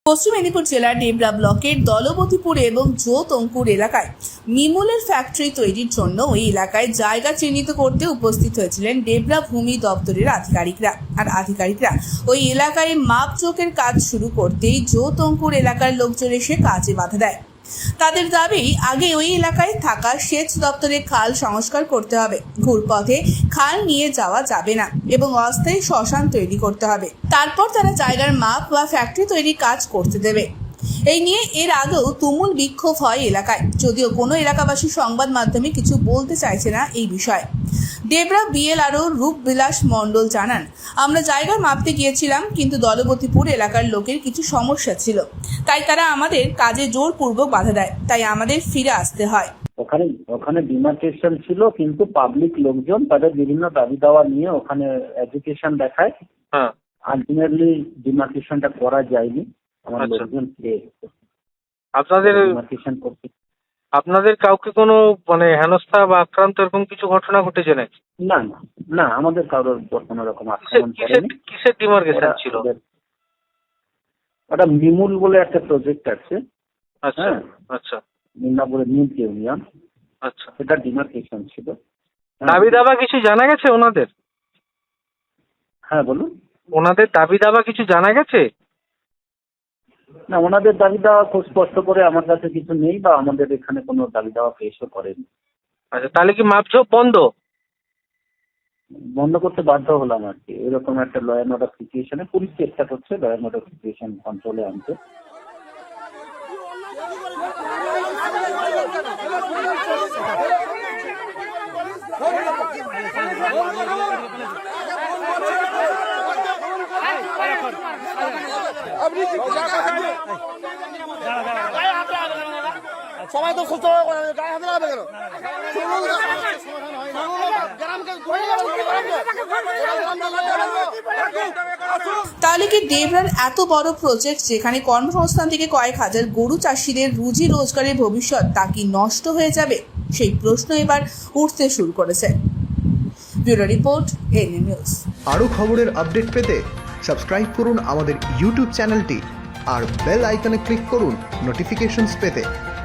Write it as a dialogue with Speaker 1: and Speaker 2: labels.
Speaker 1: পশ্চিম মেদিনীপুর জেলার ডেবরা ব্লকের দলবতীপুর এবং জোতঙ্কুর এলাকায় মিমুলের ফ্যাক্টরি তৈরির জন্য ওই এলাকায় জায়গা চিহ্নিত করতে উপস্থিত হয়েছিলেন ডেবরা ভূমি দপ্তরের আধিকারিকরা ওই এলাকায় মাপজোকের কাজ শুরু করতেই জোতঙ্কুর এলাকার লোকজন এসে কাজে বাধা দেয়। তাদের দাবি, আগে ওই এলাকায় থাকা সেচ দপ্তরের খাল সংস্কার করতে হবে, ঘুরপথে খাল নিয়ে যাওয়া যাবে না এবং অস্থায়ী শ্মশান তৈরি করতে হবে। তারপর তারা জায়গার মাপ বা ফ্যাক্টরি তৈরির কাজ করতে দেবে। এই নিয়ে এর আগেও তুমুল বিক্ষোভ হয় এলাকায়, যদিও কোনো এলাকাবাসী সংবাদ মাধ্যমে কিছু বলতে চাইছে না এই বিষয়ে। ডেবরা বিএলআরও রূপবিলাস মণ্ডল জানান, আমরা জায়গা মাপতে গিয়েছিলাম, কিন্তু দলবতীপুর এলাকার লোকের কিছু সমস্যা ছিল, তাই তারা আমাদের কাজে জোরপূর্বক বাধা দেয়, তাই আমাদের ফিরে আসতে হয়।
Speaker 2: ওখানে ডিমার্কেশন ছিল, কিন্তু পাবলিক লোকজন তাদের বিভিন্ন দাবি দাওয়া নিয়ে ওখানে এডুকেশন দেখায়। আলটিমেটলি ডিমার্কেশনটা করা যায়নি। আমার লোকজন
Speaker 3: আপনাদের কাউকে কোনো হেনস্থা বা আক্রান্ত এরকম কিছু ঘটনা ঘটেছে নাকি?
Speaker 2: না না না, আমাদের কারোর কোনো রকম আক্রমণ করেনি।
Speaker 3: কিসের ডিমার্কেশন ছিল?
Speaker 2: ওটা মিমুল বলে একটা প্রজেক্ট আছে।
Speaker 3: আচ্ছা আচ্ছা,
Speaker 2: মিদনাপুরে নিউ ইউনিয়ন।
Speaker 3: আচ্ছা,
Speaker 2: এটা ডিমার্কেশন ছিল।
Speaker 3: দাবি দাবা কিছু জানা গেছে ওনাদের?
Speaker 2: হ্যাঁ বলুন।
Speaker 3: ওনাদের দাবি দাবা কিছু জানা গেছে?
Speaker 2: না, ওনাদের দাবি দেওয়া খুব স্পষ্ট করে আমার কাছে কিছু নেই, বা আমাদের এখানে কোনো দাবি দেওয়া পেশও করেনি।
Speaker 3: আচ্ছা, তাহলে কি মাপঝোপ
Speaker 2: বন্ধ করতে বাধ্য হলাম আর কি। এরকম একটা ল অ্যান্ড অর্ডার সিচুয়েশনে পুলিশ চেষ্টা করছে ল অ্যান্ড অর্ডার সিচুয়েশন কন্ট্রোলে আনতে।
Speaker 4: সবাই তো সুস্থ গায়ে হাতে লাগবে কেন?
Speaker 1: তাহলে কি ডেবরার এত বড় প্রজেক্ট, যেখানে কর্মসংস্থান থেকে কয়েক হাজার গরু চাষিদের রুজি রোজগারের ভবিষ্যৎ, তা কি নষ্ট হয়ে যাবে? সেই প্রশ্ন এবার উঠতে শুরু করেছে। Bureau report, NA news.
Speaker 5: আরও খবরের আপডেট পেতে সাবস্ক্রাইব করুন আমাদের ইউটিউব চ্যানেলটি আর বেল আইকনে ক্লিক করুন নোটিফিকেশনস পেতে।